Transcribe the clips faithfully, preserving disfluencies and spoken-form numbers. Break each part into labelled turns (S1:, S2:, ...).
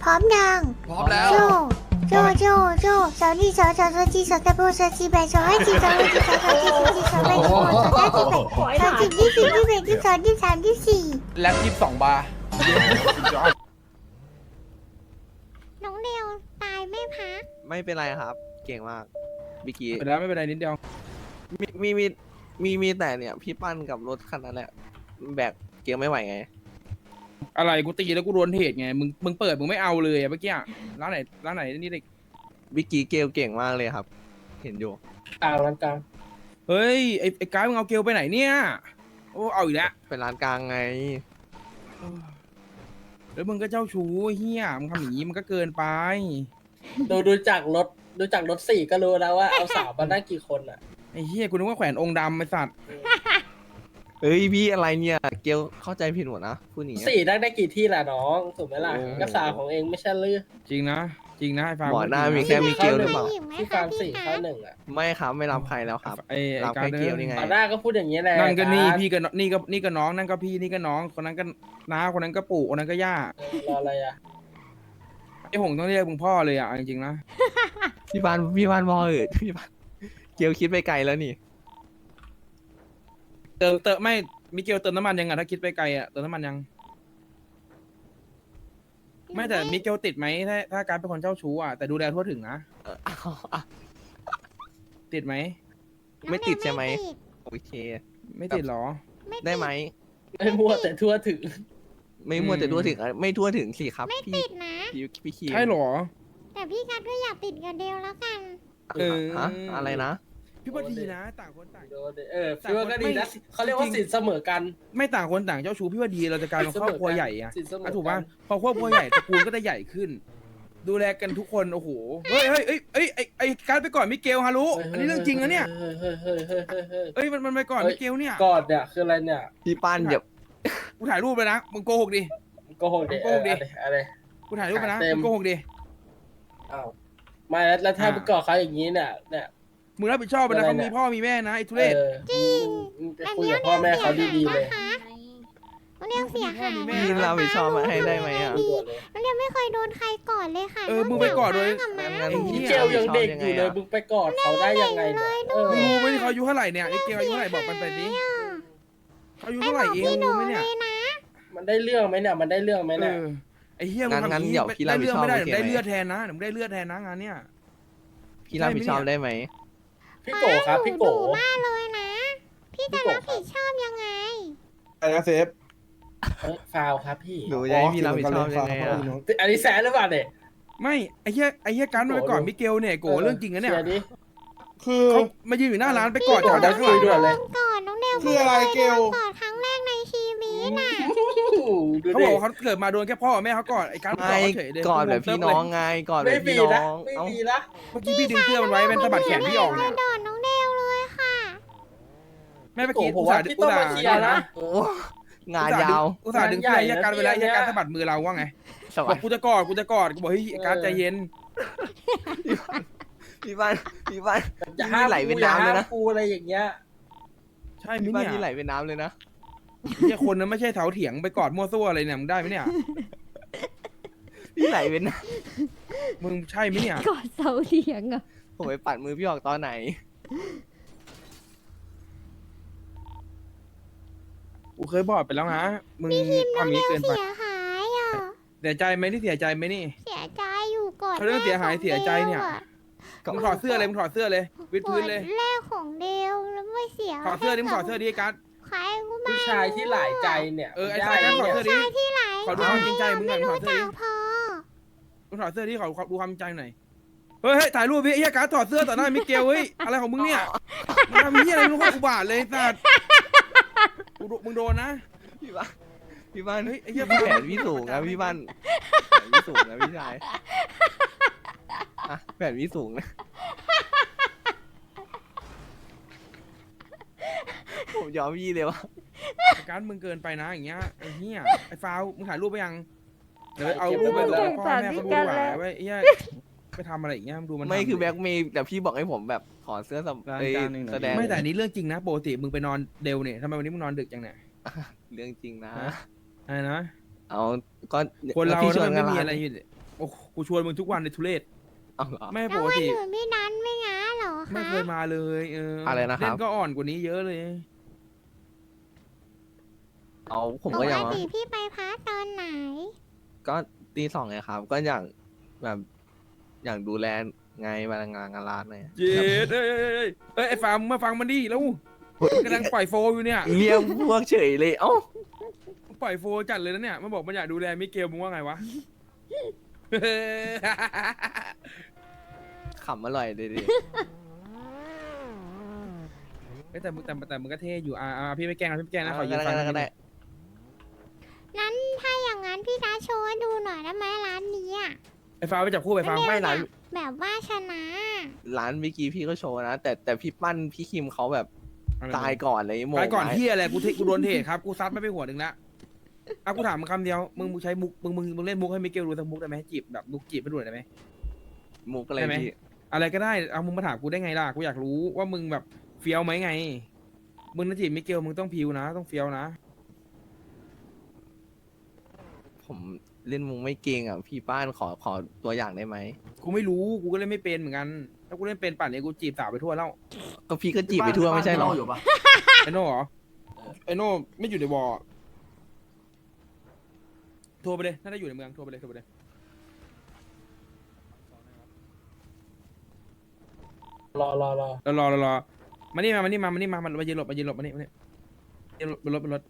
S1: ร้อมยัง
S2: พร้อมแล้ว
S1: โจโจโจโจสาวนี่สาวสาวสาวจีสาวตะโบสาวจีแบสาวให้จีสาวให้จีสาวสาวจีสาวจีสาวแบสาวสาวจีแบสาวจีที่สี่ที่แบที่สองที่สามที่สี่
S2: แล็บยี่สิบสองบาร์
S1: น้องเดียวตายไม่พัก
S3: ไม่เป็นไรครับ เก่งมากบิกี้
S4: ไปแล้วไม่เป็นไรนิดเดียว
S3: มีมีมีมีมีแต่เนี่ย พี่ปั้นกับรถคันนั้นแหละแบกเกียร์ไม่ไหวไง
S4: อะไรกูตีแล้วกูโดนเหตุไงมึงมึงเปิดมึงไม่เอาเลยอะเมื่อกี้อะร้านไหนร้านไหนนี่เด็ก
S3: บิกี้เกลเก่งมากเลยครับ เห็นอยู่
S5: กลางร้านกลาง
S4: เฮ้ยไอ้ไอ้กายมึงเอาเกลไปไหนเนี่ยโอ้เอาอีกแล้ว
S3: เป็นร้านกลางไง
S4: แล้วมึงก็เจ้าชู้เฮียมึงทำอย่างนี้มันก็เกินไป
S5: ดูดูจากรถดูจากรถสี่ก็รู้แล้วว่าเอาสาวมาได้กี่คนอ่ะ
S4: ไอ้เฮียกูนึกว่าแขวนองค์ดำไอ้สัตว์
S3: เฮ้ยพี่อะไรเนี่ย เกลเข้าใจผิดหมดนะพูดอย่างเงี้ย
S5: สี่ได้ได้กี่ที่ล่ะน้องถูกไหมล่ะ
S3: โอ้
S5: ก็สาวของเองไม่ใช่ลือ
S4: จริงนะจริงนะไอ้ฟาร์ม
S3: หมอหน้ามี
S4: จริงะ
S3: แค่มิเกลหรือเปล่า
S1: หญิงไหม
S5: ที่
S1: คะ
S5: ฟาร์ม
S1: พี่
S5: สี่
S1: คะ
S5: เข้าหนึ่งอ่ะ
S3: ไม่ครับไม่รับใครแล้วครับ
S4: ไอ้ไอ้
S3: รับ
S4: การ
S3: แค่เกล
S4: เดิ
S3: นี่ไง
S5: ต่อหน้าก็พูดอย่างนี้แหละ
S4: นั่นก็นี่
S5: าร
S4: พี่ก็นี่ก็นี่ก็น้องนั่นก็พี่นี่ก็น้องคนนั้นก็น้าคนนั้นก็ปู่คนนั้นก็ย่า
S5: เออรออะไรอ่ะ
S4: ไอ้หงต้องเรียกมึงพ่อเลยอ่ะจริงๆนะ
S3: พี่บ้านพี่บ้านมอเออพี่บ้านเกลคิดไปไกลแล้วนี่
S4: เติมเติมไม่มิเกลเติมน้ำมันยังไงถ้าคิดไปไกลอ่ะเติมน้ำมันยังไม่แต่มิเกลติดไหมถ้าถ้าการเป็นคนเจ้าชู้อ่ะแต่ดูแลทั่วถึงนะ
S3: เออเอาเอา
S4: ติดไหม
S3: ไม่ติดใช่ไหม
S1: ติด
S3: โอเค
S4: ไม่ติดหรอ
S1: ไม่ติ
S3: ได้ไหม
S5: ไม่มั่วแต่ทั่วถึง
S3: ไม่มัวแต่ทั่วถึงอ่ะไม่ทั่วถึงสิครับ
S1: ไม่
S3: พี่
S1: ติดนะ
S3: พี่พี่คี
S4: ใช่หรอ
S1: แต่พี่กัดก็อยากติดกับเดลแล้วกัน
S4: เออ
S3: ฮะอะไรนะ
S4: พี่ว่าดีนะต่างคนต่าง
S5: โดนดิเออพี่ว่าก็ดีนะเขาเรียกว่าสินเสมอกัน
S4: ไม่ต่างคนต่างเจ้าชู้พี่ว่าดีเราจะกลายเป็นครอบครัวใหญ่อะ
S5: สินเสมอ
S4: อ่ะ
S5: น
S4: ถูกป่ะพอครอบครัวใหญ่ตระกูลก็จะใหญ่ขึ้น ดูแลกันทุกคนโอ้โหเฮ้ยเฮ้ยเฮ้ยเฮ้ยไอ้ไอ้การดไปก่อนมิเกลฮารุอันนี้เรื่องจริงนะเนี่ย
S5: เฮ้ยเฮ้ยเฮ้ยเฮ้ยเฮ้ยเฮ้ย
S4: เอ้ยมันมันไปก่อน
S5: เฮ้ย
S4: มิเกลเนี่ย
S5: กอดเนี่ยคืออะไรเนี่ย
S3: พี่ปั้นเดี๋ยว
S4: กูถ่ายรูปไปนะมึงโกหกดิ
S5: โกหกดิ
S4: โกหกดิ
S5: เอออะไร
S4: กูถ่ายรูปไปนะ
S5: เต็ม
S4: มึงโกหกดิ
S5: อ้าวไม่แล้วแล้วถ้า
S4: อ่า
S5: ไปกอดเขาอย่างนี้เนี่ยเนี่ย
S4: มึงรับผิดชอบไปนะ
S5: อะไร
S4: เขา
S5: เนี่
S4: มี
S5: ย
S4: พ่อมีแม่นะไอ้ทุเรศ
S5: เออ
S1: จริง
S5: มึงไป
S1: แบบ
S5: คุย
S1: นี้
S5: กับพ่อแม่เขาดีๆเลย
S1: นะคะน้องเดียวเสียหาย
S4: แม่
S3: พี่เราไปชอบมาให้ได้ไหมอ่ะ
S5: ด่วนเลย
S1: น้องเดียวไม่เคยโดนใครก่อนเลยค่ะ
S4: เออมึงไปก่อนโดย
S1: กับ
S3: งั้
S1: ม้าน
S3: งั้น
S5: พี่
S3: พี่
S5: เกลยังเด็กอยู่เลยมึงไปกอดเขาได้ยังไงเนี่ยเออ
S4: มึงรู้ไหมเขาอายุเท่าไหร่เนี่ยไอ้เกลอายุเท่าไหร่บอกมันไปดิเขาอายุ
S1: ไป
S4: เท่าไห
S1: บ
S4: ร่
S1: อก
S4: เอง
S1: พี่หนู
S4: รู้ไหม
S1: เล
S4: เนี่ย
S1: ยนะ
S5: มันได้เรื่องไหมเนี่ยมันได้เรื่องไหม
S4: เอ
S5: เนี่ย
S4: อไอ้เฮียมึง
S3: งั้น
S4: ทำอ
S3: งั้น
S4: ย่างนี้
S3: เดี๋ยวพี่
S4: ได้เรื่องไม่ได้
S3: รับผิ
S4: เดี๋ยว
S3: ดชอบ
S4: ได้
S3: โอเคไหม
S4: เลือดแทนนะเดี๋ยวมึงได้เลือดแทนนะงานเนี้ย
S3: พี่รับผิดชอบได้ไหม
S5: พี่โกครับพี่โก
S1: หนูดุมากเลยนะ พี่จะรับผิดชอบยังไง
S2: อะไรนะเซฟ
S5: เอ้ยฟาวครับพี่
S3: หนูจะให้พี่รับผิดชอบยังไงอ่ะ
S5: อันนี้แซนหรือเปล่าเนี่ย
S4: ไม่ไอ้เฮียไอ้เฮียการมันไปก่อนมิเกลเนี่ยโกเรื่องจริงนะเนี่ย
S5: ชีร์ดิ
S2: คือ
S4: เขามายืนอยู่หน้าร้านไปกอด
S5: พี่
S4: จับ
S5: โก
S4: ได้ข้างหลัง
S5: คุยด้วยเลย
S1: ก่อนน้องเดว
S2: คืออะไรเกล
S1: ก่อนครั้งแรกในชีวิตน่ะ
S5: ดู
S4: เขา
S5: ดิ
S4: บอกว่าเขาเกิดมาโดนแค่พ่อกับแม่เขากอดไอ้การกอด
S3: ไม่
S4: เขาเฉยเลย
S3: กอดแบบพี่น้องไงกอดแบ
S5: ไม่
S3: บ
S5: มี
S3: พี่น้
S5: นะ
S3: อง
S5: ไม่
S3: เอ้า
S5: มีนะ
S4: เมื่อกี้พี่ดึงเสื้อมันไว้เป็นสะบัดแขนพี่ออกเนี่ย
S1: โดนน้องเดวเลยค่ะ
S4: แม่เมื่อ
S5: โก
S4: กี้
S5: ผม
S4: อุต
S5: ว่า
S4: ส่าห์
S5: พี่
S4: อุ
S5: ต้
S4: ต
S5: อง
S4: ส่า
S5: มา
S4: ห์
S5: เชียร์นะ
S3: โอ้งานยาว
S4: อุตส่าห์ดึงเสื้อไอ้การไปแล้วไอ้การ
S5: งานใหญ่นะ
S4: สะบัดมือเราว่าไง
S3: ส
S4: บ
S3: วั
S4: อ
S3: ส
S4: ก
S3: ดี
S4: กูจะกอดกูจะกอดกูบอกเฮ้ยไอ้การใจเย็น
S3: พี่บ้านพี่บ้าน
S5: จะ
S3: พี่
S5: ห้า
S3: นี่
S5: ม
S3: ไหลเป็น
S5: กูอย่า
S3: น้ำเลย
S5: ห้าม
S3: นะ
S5: กูอะไรอย่างเงี้ย
S4: ใช่ไหม
S3: พี่บ้าน
S4: เนี่ย
S3: นี่ไหลเป็นน้ำเลยนะ
S4: ไอ้คนนั้นไม่ใช่เถาเถียงไปกอดมั่วซั่วอะไรเนี่ยมึงได้ไหมเนี่ย
S3: พี่ไหลเป็นน้
S4: มึงใช่ไหมเนี่ย
S6: กอดเสาเถียงอ่ะ
S3: ำผมไปปัดมือพี่ออกตอนไหน
S4: กูเคยบอกไปแล้วนะมึงทำอย่างนี้เกินไป
S1: เสียหายอ่ะ
S4: เสียใจไหมที่เสียใจไหมนี่
S1: เสียใจอยู่ก่อน
S4: เขาเรื่องเสียหายเสียใจเนี่ย มึงถอดเสื้อเลยมึงถอดเสื้อเลยวิดพื้นเลย
S1: แรกของเดวแล้วไม่เสีย
S4: ถอดเสื้อดิมึงถอดเสื้อดิไอ้การด
S1: ใครกูไม่
S5: ผู้ชายที่หลายใจเนี่ย
S4: เออไอ้สายการดถอดเสื้อดิ
S1: ที่ไหน
S4: ขอดูความจริงใจมึงหน่อยมึงถอดเสื้อ
S1: จั
S4: ดิ
S1: กพอ
S4: มึงถอดเสื้อดิขอขอดูความจริงใจหน่อยเฮ้ยเฮ้ยถ่ายรูปพี่ไอ้เหี้ยการดถอดเสื้อต่อหน้ามิเกลเฮ้ยอะไรของมึงเนี่ยมึงทำเหี้ยอะไรมึงโคตรอุบาทเลยสัตว์กูโดมึงโดนนะ
S3: พี่บ้านพี่บ้าน
S4: เฮ้ยไอ้เหี้ย
S3: พี่แผนพี่สูงนะพี่บ้านแผนพี่สูงนะพี่ชายอ่ะแผนพี่สูงนะผมยอมพี่เลยวะ
S4: ไอ้การดมึงเกินไปนะอย่างเงี้ยไอ้เหี้ยไอ้ฟาวมึงถ่ายรูปไปยังเดี๋ยวเอารูปไปแล้วพ่อแม่เขาดูหวาไว้ไอ้เหี้ยไปทำอะไรอย่างเงี้ยมึงดูมัน
S3: ไม่
S4: ทำ
S3: คือแบ็กเมย์แต่พี่บอกให้ผมแบบถอดเสื้อสำ
S4: ราย
S3: เอ้ย
S4: การหนึ่ง
S3: แสดง
S4: ไม่แต่อันนี้เรื่องจริงนะปกติมึงไปนอนเร็วเนี่ยทำไมวันนี้มึงนอนดึกจังเนี่ย
S3: เรื่องจริงนะ
S4: อะไรนะ
S3: เอาก็
S4: คนเรา
S3: พี่ช
S4: ถ้า
S3: วน
S4: มัน
S3: กั
S4: ไม่
S3: น
S4: มี
S3: ร้า
S4: อะไร
S3: น
S4: อยู่โอ้กูชวนมึงทุกวันในทุเรศ
S3: เอาเหรอ
S4: ไม่
S1: แล้
S4: ป
S1: ว
S4: ก
S1: วัน
S4: ติ
S1: อื่นพี่นันไม่ง้าเหรอคะ
S4: ไม่เคยมาเลยเออ
S3: อะไรนะครับ
S4: เล่นก็อ่อนกว่านี้เยอะเลย
S3: เอาผม
S1: ป
S3: ก็
S1: ก
S3: ยัง
S1: ติพี่ไปพักตอนไหน
S3: ก็ตีสองไงครับ ก็อย่างแบบอย่างดูแลไงมางานงานร้านเนี่ย
S4: เย็ดเอ้ยเอ้ยเอ้ยเอ้ยไอ้ฟาร์มมาฟังมันดิแล้วกำลังปล่อยโฟอยู่เนี่ย
S3: เรียกพวกเฉยเลยเอ้า
S4: ปล่อยโฟจัดเลยนะเนี่ยมันบอกมันอยากดูแลมิเกลมึงว่าไงวะ
S3: ขำอร่อยเลยดิ
S4: เอ้ยแต่มึงแต่แต่มึงก็เท่อยู่อ่าอ่าพี่ไม่แกล้งนะพี่ไม่แกล้งนะขอยื
S3: ก็
S4: ม
S3: ได้
S4: ฟัง
S3: ก็ได้ก็ได้
S1: นั้นถ้าอย่างนั้นพี่นัทโชว์ให้ดูหน่อยได้ไหมร้านนี้อะ
S4: ไอ้ฟาร์มไปจับคู่ไปฟาร์ม
S3: ไม่ร้าน
S1: แบบว่าชนะ
S3: ร้านเมื่อกี้พี่ก็โชว์นะ แต่แต่พี่ปั้นพี่คิมเขาแบบ
S4: อะไร
S3: ตายก่อนเลยโมง
S4: ตายก่อน
S3: ไว้
S4: เฮียอะไรกูเทกูโดนเทครับกูซัดไม่ไปหัวหนึ่งละอ่ะกูถามมึงคำเดียวมึงมึงใช้มุกมึงมึงมึงเล่นมุกให้มิเกลดูสักมุกได้ไหมจีบแบบมุกจีบไปดูหน่อยได้ไหม
S3: มุกอะไร
S4: ได้ไหม
S3: พี่
S4: อะไรก็ได้เอามึงมาถามกูได้ไงล่ะกูอยากรู้ว่ามึงแบบเฟี้ยวไหมไงมึงนะจีบมิเกลมึงต้องพิวนะต้องเฟี้ยวนะ
S3: ผมเล่นมุกไม่เก่งอ่ะพี่ป้านขอขอตัวอย่างได้ไหม
S4: กูไม่รู้กูก็เล่นไม่เป็นเหมือนกันถ้ากูเล่นเป็นป่านนี้กูจีบสาวไปทั่วแล้ว
S3: ก็พี่ก็จีบไปทั่วไม่ใช่หรอ
S6: อยู่ปะ
S4: ไอโน่เหรอไอโน่ไม่อยู่ในวอร์โทรไปเลยถ้าได้อยู่ในเมืองโทรไปเลยโทรไปเลย
S5: รอรอรอ
S4: รอรอรอรอมานี่มามานี่มามานี่มามามายืนหลบมายืนหลบมานี่มานี่ยืนหลบบนรถบนรถ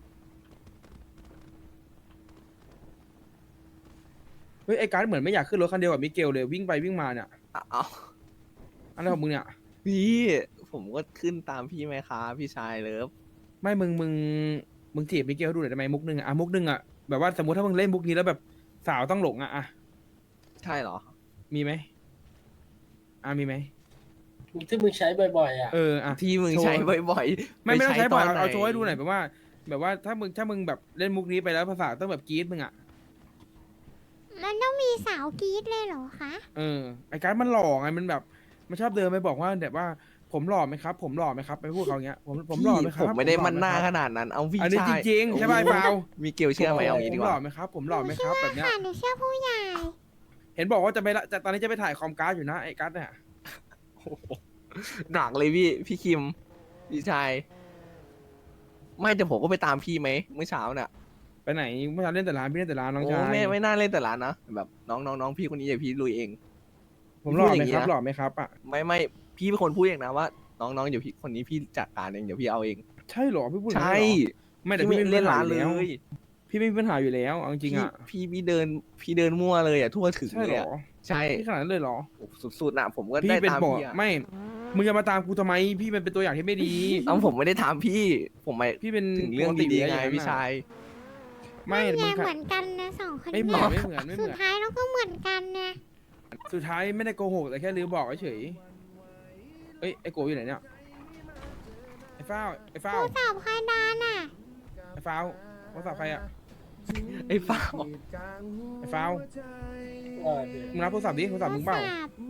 S4: เฮ้ยไอ้การ์ดเหมือนไม่อยากขึ้นรถคันเดียวกับมิเกลเลยวิ่งไปวิ่งมาเนี่ย
S3: เอา
S4: อะไรของมึงเนี่ย
S3: พี่ผมก็ขึ้นตามพี่ไหมคะพี่ชายเลิฟ
S4: ไม่มึงมึงมึงจีบมิเกลให้ดูหน่อยได้ไหมมุกหนึ่งอะอ่ะมุกหนึ่งอะแบบว่าสมมติถ้ามึงเล่นมุกนี้แล้วแบบสาวต้องหลงอะอะ
S3: ใช่เหรอ
S4: มีไหมอ่ะมีไหม
S5: ที่มึงใช้บ่อยๆอ่ะ
S4: เอออ่ะ
S3: ที่มึง
S4: โชว์
S3: ใช้บ่อยๆ
S4: ไม่ไม่ต้องใช้
S3: ป
S4: บ่อย
S3: ต
S4: เอา
S3: น
S4: เอาโชว์ให้ดูหน่อยแบบว่า แบบว่าถ้ามึงถ้ามึงแบบเล่นมุกนี้ไปแล้วภาษาต้องแบบกรี๊ดมึงอะ
S1: มันต้องมีสาวกรีดเลยเหรอคะ
S4: เออไอ้การดมันหล่อไงมันแบบมันชอบเดินไปบอกว่าแบบว่าผมหล่อไหมครับ ผมหล่อไหมครับไปพูดเขาอย่างเงี้ยผมผมหล่อไหมค
S3: ผ
S4: รับ
S3: มไม่ได้
S4: ผหล่อ
S3: มันหน้า
S4: ไครับ
S3: ขนาดนั้น เอาพี่
S4: อันนี้
S3: ชาย
S4: จริงๆใช่ป่ะไอ้ฟาว
S3: มีเกลเชื่อไหมเอางี้ดี
S4: ผม
S3: ก
S4: หล่อ
S3: ว่า
S4: ไหมครับ ผมหล่อไหมครับแบบเนี้ย
S1: ค่ะหนูเชื่อผู้ใหญ่
S4: เห็นบอกว่าจะไปละจะตอนนี้จะไปถ่ายคอมการ์ดอยู่นะไอ้การ์ดเนี่ย
S3: หนักเลยพี่พี่คิมพี่ชายไม่แต่ผมก็ไปตามพี่ไหมเมื่อเช้าเนี่ย
S4: ไปไหนเมื่อเช้าเล่นแต่ร้านพี่เล่นแต่ร้านน้อง
S3: โอ้
S4: ชาย
S3: ไม่ไม่น่าเล่นแต่ร้านนะแบบน้องน้องน้องพี่คนนี้อย่าพี่ลุยเอง
S4: ผมหล่อไหม
S3: พูดอย่างงี้
S4: ครับ
S3: นะ
S4: หล่อไหมครับอ่ะ
S3: ไม่ไม่พี่เป็นคนพูดเองนะว่า น้องน้องเดี๋ยวพี่คนนี้พี่จัดการเองเดี๋ยวพี่เอาเอง
S4: ใช่เหรอพี่พูดอย่าง
S3: ใช่
S4: นี้เหรอไม่แต่พี่ไม่มี
S3: เล่
S4: ปั
S3: น
S4: ญหา
S3: ร้าน
S4: อยู่
S3: เล
S4: แล้ว
S3: ย
S4: พี่ไม่มีปัญหาอยู่แล้วเอาจริงๆอ่ะ
S3: พี่พี่พี่เดินพี่เดินมั่วเลยอ่ะทั่วถึง
S4: ใช่
S3: เล
S4: เหร
S3: ย
S4: อ
S3: อะใช่
S4: พี่ขนาดนั้นเลยเหรอ
S3: โอ้สุดๆน่ะผมก็
S4: พี่
S3: ได้
S4: เป็น
S3: ตาม
S4: บอก
S3: พี่อ่ะ
S4: ไม่มึงจะมาตามกูทำไมพี่มันเป็นตัวอย่างที่ไม่ดี
S3: เอาผมไม่ได้ถามพี่ ผมไม่
S4: พี่เป็น
S3: ถึงเรื่อง
S4: ปกติ
S3: ดี
S4: ยู่
S3: ๆ
S4: แล้ว
S3: ไง
S4: อย่างนั้น
S3: พี่
S4: น่ะ
S3: ชาย
S4: ไม่
S1: แย่
S4: มึง
S1: เหมือนกันนะสองคน
S4: ไม่เหมื
S1: เนี่
S4: อน
S1: ย
S4: ไม่เหมือนไม่เห
S1: สุ
S4: มื
S1: ด
S4: อน
S1: ท้ายเราก็เหมือนกันนะ
S4: สุดท้ายไม่ได้โกหกแต่แค่ลืมบอกเฉยเอ้ยไอ้โกอยู่ไหนเนี่ยไอ้ฟ้าวไอ้ฟ้าว
S1: ผู้สาวใครดานอ่ะ
S4: ไอ้ฟ้าวโทรศัพท์ใครอะ
S3: ไอ้ฟ้า
S4: ไอ้ฟ้าว
S5: เออดี
S4: มึงรับโทรศัพท์ดิโทรศัพท์มึงเปล่า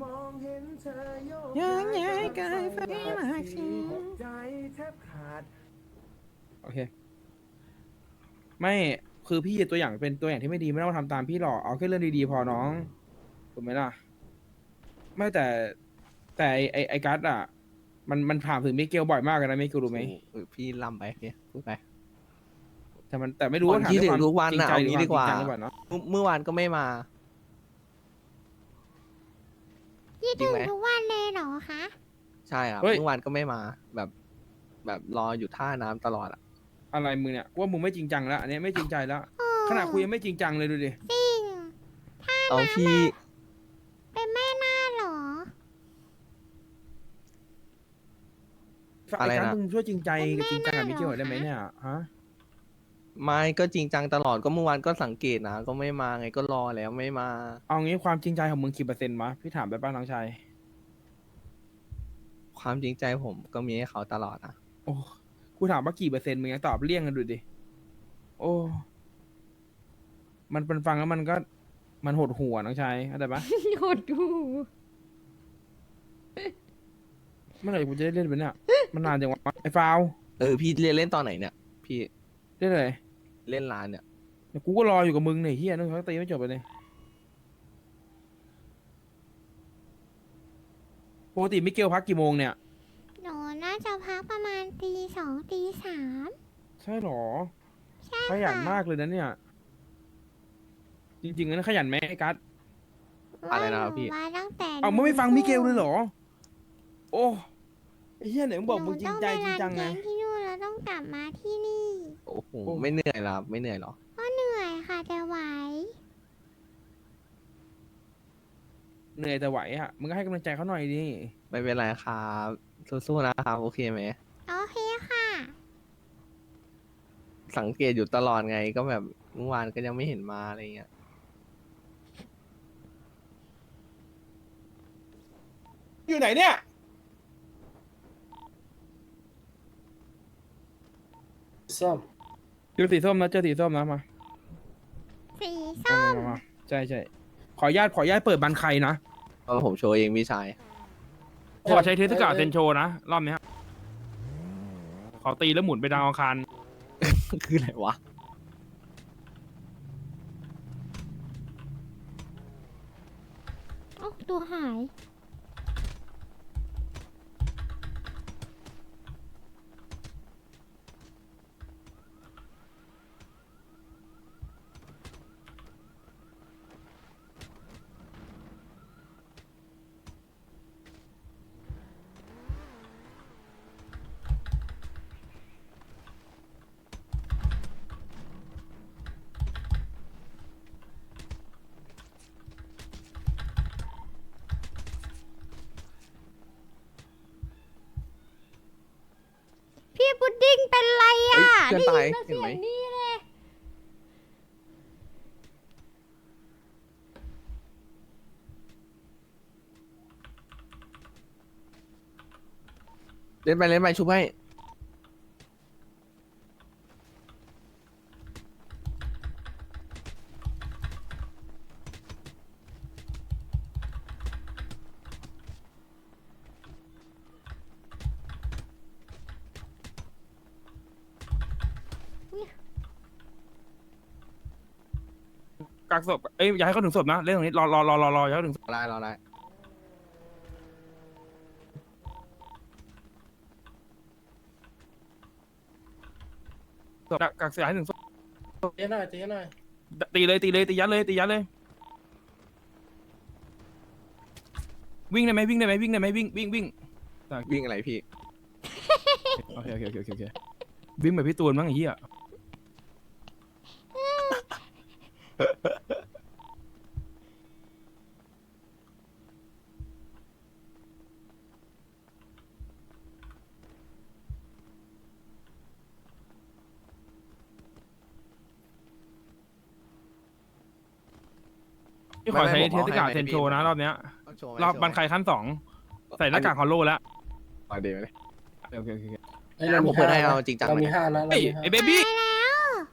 S6: ยังไงกายไฟมากสิ
S4: โอเค ไม่คือพี่ตัวอย่างเป็นตัวอย่างที่ไม่ดีไม่ต้องทำตามพี่หรอกเอาแค่เรื่องดีๆพอน้องถูกไหมล่ะ ไม่แต่แต่ไอไอไอกัสอ่ะ มันมันถามถึงมิเกลบ่อยมากเลยนะมิเกลรู้ไหม
S3: เออพี่ลำไปพี่พูดไป
S4: แต่มันแต่ไม่รู้ว่า
S3: ก่อน
S4: ถาม
S3: ที่
S4: ด้วยความ
S3: ถึงทุกวัน
S4: จริง
S3: น่ะ
S4: ใจ
S3: เอา
S4: หรือ
S3: งี้
S4: ความ
S3: ดีกว่า
S4: จริงจังหรือเปล่าเนาะ
S3: เมื่อเมื่อวานก็ไม่มา
S1: ยี่
S3: จริ
S1: ถึ
S3: ง
S1: ง
S3: ไหม
S1: ทุกวันเลยเหรอคะ
S3: ใช่ครับ
S4: เฮ้ย
S3: เมื่อวานก็ไม่มา แบบ แบบรออยู่ท่าน้ำตลอดอ่ะ
S4: อะไรมึงเนี่ยกูว่ามึงไม่จริงจังแล้วอันนี้ไม่จริงใจแล้ว
S1: โอ้
S4: ขนาดคุยยังไม่จริงจังเลยดูดิ
S1: จริง
S3: เอาพี่
S1: เป็นแม่หน้าเหรอ
S4: ไอ้กัสมึงช่วยจริงใจกับจริงจังกับมิเกลหน่อยได้ไหมเนี่ยฮะ
S3: ไม่ก็จริงจังตลอดก็เมื่อวานก็สังเกตนะก็ไม่มาไงก็รอแล้วไม่มา
S4: เอางี้ความจริงใจของมึงกี่เปอร์เซ็นต์วะพี่ถามไปป้าน้องชาย
S3: ความจริงใจผมก็มีให้เขาตลอดนะ
S4: โอ้กูถามว่ากี่เปอร์เซ็นต์มึงยังตอบเลี่ยงกันดูดิโอ้มันเป็นฟังแล้วมันก็มันหดหัวน้องชายเข้าใจปะ
S1: หดหู
S4: เมื่อไหร่กูจะได้เล่นไปเนี่ยมันนานจังวะไอ้ฟาว
S3: เออพี่เรียนเล่นตอนไหนเนี่ย พี่
S4: เล่นอะไร
S3: เล่นร้านเนี่ย
S4: เดี๋ยวกูก็รออยู่กับมึงเนี่ยเฮียนึกเขาตีไม่จบไปเลยปกติมิเกลพักกี่โมงเนี่ย
S1: หนูน่าจะพักประมาณตีสองตีสาม
S4: ใช่หรอ
S1: ใช่
S4: ขยัน
S1: ค่ะ
S4: มากเลยนะเนี่ย จริงๆนั้นขยันไหมไอ้กัส
S3: อะไรนะครับพี่
S1: ว่าหนูมาตั้งแต่
S4: เอามึงไม่ฟังมิเกลเลยเหรอ โอ้ไอ้เหี้ยไหนมึงบอกมึงจริงใจจริงจัง
S1: หนู
S4: ไง
S1: ต้องไปรันแกที่นู่นแล้วต้องกลับมาที่นี่
S3: โอ้โหไม่เหนื่อยหรอไม่เหนื่อยหรอ
S1: ก็เหนื่อยค่ะแต่ไหว
S4: เหนื่อยแต่ไหวอ่ะ มึงก็ให้กำลังใจเขาหน่อยดิ
S3: ไม่เป็นไรครับสู้ๆนะครับโอเคไหม
S1: โอเคค่ะ
S3: สังเกตอยู่ตลอดไงก็แบบเมื่อวานก็ยังไม่เห็นมาอะไรเงี้ย
S2: อยู่ไหนเนี่ย
S5: ส้ม
S4: เจอสีส้มนะเจอสีส้มนะมา
S1: สี
S4: มา
S1: ส้ม
S4: มามาใช่ใช่ขออนุญาตขออนุญาตเปิดบันใครนะ
S3: เพราะผมโชว์เองพี่ชาย
S4: ขอใช้เทสกาเซนโชนะ รอบเนี้ยขอตีแล้วหมุนไปดาวอังคาร
S3: คืออะไรวะ
S1: โอ้ตัวหาย พี่พุดดิ้งเป็นไร
S3: เฮ้
S1: อ่ะ
S3: ยเพื่อนตาย
S1: ได้
S3: เห็นไหม
S1: ยินเสียงนี่เลย
S3: เล่นไปเล่นไปชุบให้
S4: กักศพเอ้ยอย่าให้เขาถึงศพนะเล่นตรงนี้รอรอรอรอรออย่าให้เขาถึงศพ
S3: รอได้รอได้
S4: กักกักเสียให้ถึงศพ
S5: เจ๊หน่อยเจ๊หน่อย
S4: ตีเลยตีเลยตียัดเลยตียัดเลย วิ่งได้ไหมวิ่งได้ไหมวิ่งได้ไหมวิ่งวิ่งวิ่ง
S3: วิ่งอะไรพี่
S4: โอเคโอเคโอเคโอเควิ่งแบบพี่ตูนบ้างไอ้เหี้ย พี่ขอใช้
S3: ไม่ไม่
S4: เท
S3: ผม
S4: ส
S3: เอา
S4: กา
S3: ให้
S4: เซนโชนะ
S3: ให้พี่
S4: รอบเนี้ย
S3: ต้องโชว์ไหม
S4: รอบ
S3: โชว์ไหม
S4: บันไคขั้นสองใส่หน้ากากฮอลโลแล้ว
S3: เอาเดี๋ยวเลย
S4: โอเคโอเคโอเค
S5: เฮ้ยเรา
S3: ผม
S5: มี
S3: เปิด
S5: ห้า
S3: ให้
S5: นะ
S3: เอาจริงจัง
S5: เรา
S3: เลย
S5: มีห้านะเรา
S4: เฮ้ย
S5: มีห้า
S4: ไอ้เบบี้
S1: ไปแล้ว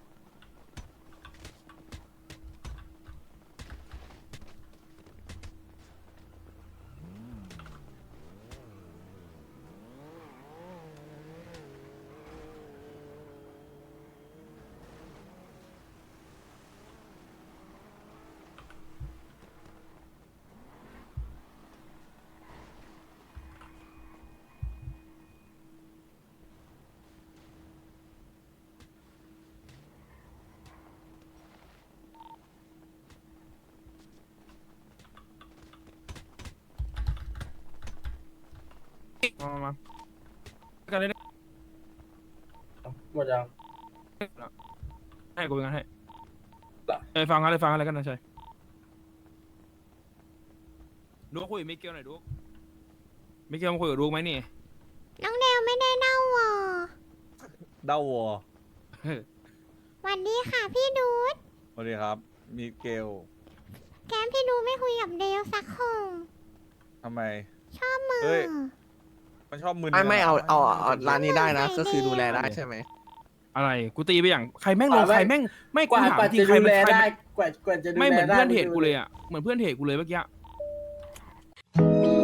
S4: มามามากันเลย
S5: หมดยัง
S4: ให้กูเป็นกันให้เอ้ยฟังอะไรฟังอะไรกันนะชัยดูคุยกับมิเกลหน่อยดูมิเกลมาคุยกับดูไหมนี่
S1: น้องเดวไม่ได้เน่าหวอ
S7: เด้าวัว
S1: สวัสดีค่ะพี่ดูด
S7: สวัสดีครับ มีเกล
S1: แกมพี่ดูไม่คุยกับเดวสักคง
S7: ทำไม
S1: ชอบมือ
S7: เฮ้ย มันชอบมึน
S3: ไม่ไม่เอาเอาเอา
S7: น
S3: ร้านนี้ได้นะ
S1: ใส่
S3: ก็คือ
S1: ดี
S3: ดูแลได้ใช่ไหม
S4: อะไรกูตีไปอย่างใครแม่งลงใครแม่งไม่
S5: ก
S4: กู
S5: ว่า
S4: ถาม
S5: กว่า
S4: จริ
S5: จะ
S4: งใคร
S5: ดู
S4: มัน
S5: แล
S4: ใคร
S5: ได้
S4: มัน
S5: กว่ากว่าจะดูแล
S4: ไม่เหมือน
S5: ได้
S4: เพื่อนเทรดกูเลยอ่ะเหมือนเพื่อนเทรดกูเลยเมื่อกี้